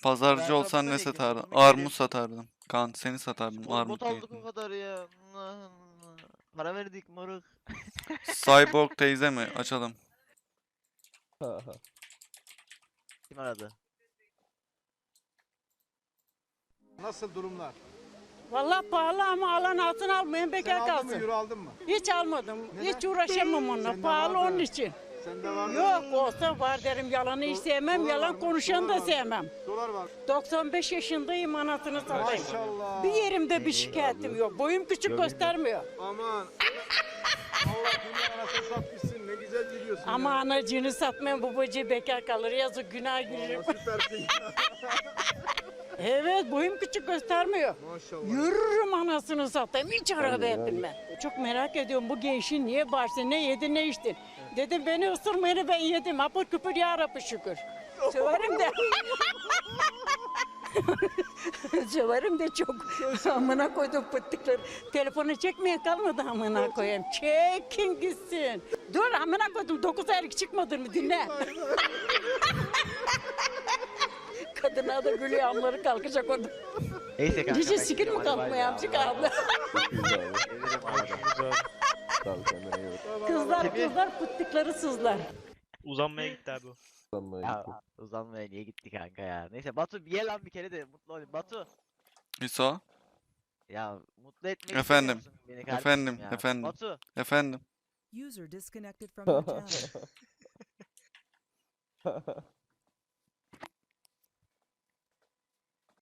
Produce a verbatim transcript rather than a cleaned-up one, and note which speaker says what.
Speaker 1: Pazarcı
Speaker 2: Ayakkabı
Speaker 1: olsan ne
Speaker 2: nereye gidiyor?
Speaker 1: satardın?
Speaker 2: Bunu
Speaker 1: Armut
Speaker 2: geri-
Speaker 1: satardım. Kaan seni satardım.
Speaker 2: Spor
Speaker 1: Armut
Speaker 2: bot aldık
Speaker 1: değil.
Speaker 2: o kadar ya. Allah Allah. Para verdik moruk.
Speaker 1: Cyborg teyze mi? Açalım.
Speaker 2: Kim aradı?
Speaker 3: Nasıl durumlar?
Speaker 4: Vallahi pahalı ama alan altın almayın
Speaker 3: Sen
Speaker 4: bekar
Speaker 3: aldın mı,
Speaker 4: kalsın.
Speaker 3: euro aldın mı?
Speaker 4: Hiç almadım.
Speaker 3: Neden?
Speaker 4: Hiç uğraşamam onunla.
Speaker 3: Sende
Speaker 4: Pahalı
Speaker 3: vardı.
Speaker 4: onun için.
Speaker 3: Sende var mı?
Speaker 4: Yok olsa var derim. Yalanı hiç
Speaker 3: Do-
Speaker 4: sevmem.
Speaker 3: dolar var
Speaker 4: Yalan
Speaker 3: mı?
Speaker 4: konuşanı
Speaker 3: Dolar
Speaker 4: da
Speaker 3: var mı?
Speaker 4: sevmem.
Speaker 3: Dolar var.
Speaker 4: doksan beş yaşındayım anasını satayım.
Speaker 3: Maşallah.
Speaker 4: Bir yerimde bir şikayetim yok. Boyum küçük göstermiyor.
Speaker 3: Aman. Allah dünya anasını satmışsın. Ne güzel gidiyorsun
Speaker 4: Ama
Speaker 3: ya.
Speaker 4: anacığını satmayan babacığı bekar kalır. Yazık günah girerim.
Speaker 3: Allah süpersin.
Speaker 4: Evet boyum küçük göstermiyor.
Speaker 3: Maşallah.
Speaker 4: Yürürüm anasını satayım. Hiç arabaya binmem. Çok merak ediyorum bu gençin niye bağırsın, ne yedi ne içtin. Dedim beni ısırmayını ben yedim. Apır küpür ya Rabbi şükür. Söverim de. Söverim de çok. Amına koydum pıttıkları. Telefonu çekmeye kalmadı amına koyayım. Çekin gitsin. Dur amına koydum. Dokuz aylık çıkmadın mı dinle. Kadına da gülüyor amları kalkacak orada.
Speaker 2: Neyse kanka.
Speaker 4: Hiç
Speaker 2: ben
Speaker 4: sikir
Speaker 2: gidiyorum,
Speaker 4: mi
Speaker 2: hadi bay
Speaker 4: kalkmıyor
Speaker 2: bay.
Speaker 4: amcık abla?
Speaker 2: Gelirim arada.
Speaker 4: Kızlar
Speaker 2: Kimi?
Speaker 4: kızlar pıttıkları sızlar.
Speaker 5: Uzanmaya gitti abi o.
Speaker 2: Ya uzanmaya niye gitti kanka ya? Neyse Batu ye lan bir kere de mutlu olayım. Batu.
Speaker 1: İso.
Speaker 2: Ya mutlu etmek
Speaker 1: Efendim,
Speaker 2: istemiyor musun beni kardeşim
Speaker 1: efendim,
Speaker 2: ya?
Speaker 1: efendim.
Speaker 2: Batu.
Speaker 1: Efendim.
Speaker 6: User disconnected from your channel.